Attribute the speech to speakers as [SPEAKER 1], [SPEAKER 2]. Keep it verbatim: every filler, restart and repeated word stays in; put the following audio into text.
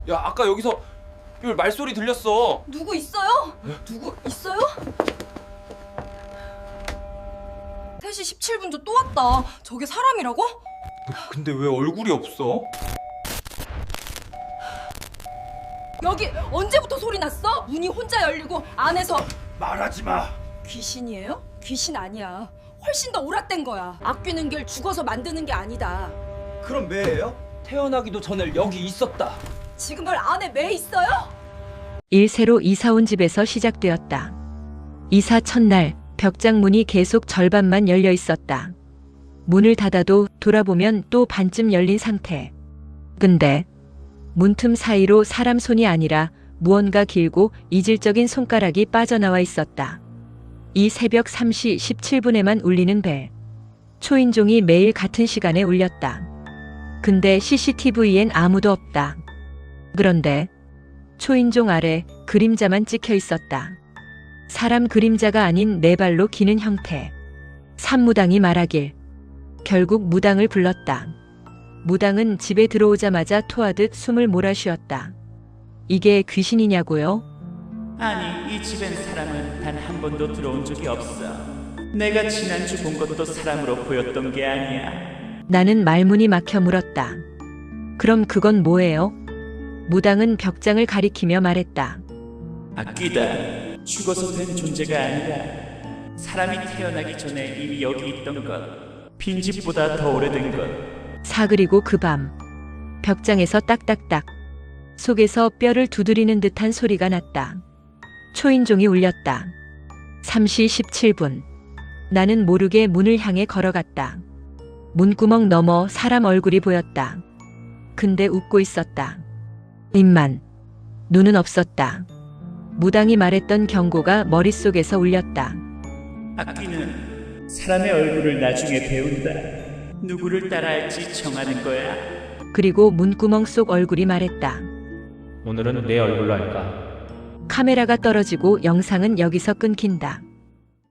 [SPEAKER 1] 야, 아까 여기서 이 말소리 들렸어.
[SPEAKER 2] 누구 있어요? 누구 있어요? 세 시 십칠 분도 또 왔다. 저게 사람이라고?
[SPEAKER 1] 근데 왜 얼굴이 없어?
[SPEAKER 2] 여기 언제부터 소리 났어? 문이 혼자 열리고 안에서
[SPEAKER 3] 말하지 마.
[SPEAKER 2] 귀신이에요? 귀신 아니야. 훨씬 더 오락된 거야. 아끼는 길 죽어서 만드는 게 아니다.
[SPEAKER 3] 그럼 매예요?
[SPEAKER 1] 태어나기도 전에 여기 있었다.
[SPEAKER 2] 지금 널 안에 매 있어요?
[SPEAKER 4] 일세로 이사온 집에서 시작되었다. 이사 첫날 벽장 문이 계속 절반만 열려 있었다. 문을 닫아도 돌아보면 또 반쯤 열린 상태. 근데 문틈 사이로 사람 손이 아니라 무언가 길고 이질적인 손가락이 빠져나와 있었다. 이 새벽 세 시 십칠 분에만 울리는 벨. 초인종이 매일 같은 시간에 울렸다. 근데 씨씨티비엔 아무도 없다. 그런데 초인종 아래 그림자만 찍혀 있었다. 사람 그림자가 아닌 네 발로 기는 형태. 산무당이 말하길 결국 무당을 불렀다. 무당은 집에 들어오자마자 토하듯 숨을 몰아쉬었다. 이게 귀신이냐고요?
[SPEAKER 5] 아니, 이 집엔 사람은 단 한 번도 들어온 적이 없어. 내가 지난주 본 것도 사람으로 보였던 게 아니야.
[SPEAKER 4] 나는 말문이 막혀 물었다. 그럼 그건 뭐예요? 무당은 벽장을 가리키며 말했다.
[SPEAKER 5] 악귀다. 죽어서 된 존재가 아니라 사람이 태어나기 전에 이미 여기 있던 것. 빈집보다 더 오래된 것.
[SPEAKER 4] 사그리고 그 밤 벽장에서 딱딱딱 속에서 뼈를 두드리는 듯한 소리가 났다. 초인종이 울렸다. 세 시 십칠 분. 나는 모르게 문을 향해 걸어갔다. 문구멍 너머 사람 얼굴이 보였다. 근데 웃고 있었다. 입만. 눈은 없었다. 무당이 말했던 경고가 머릿속에서 울렸다.
[SPEAKER 5] 악귀는 사람의 얼굴을 나중에 배운다. 누구를 따라할지 정하는 거야.
[SPEAKER 4] 그리고 문구멍 속 얼굴이 말했다.
[SPEAKER 6] 오늘은 내 얼굴로 할까?
[SPEAKER 4] 카메라가 떨어지고 영상은 여기서 끊긴다.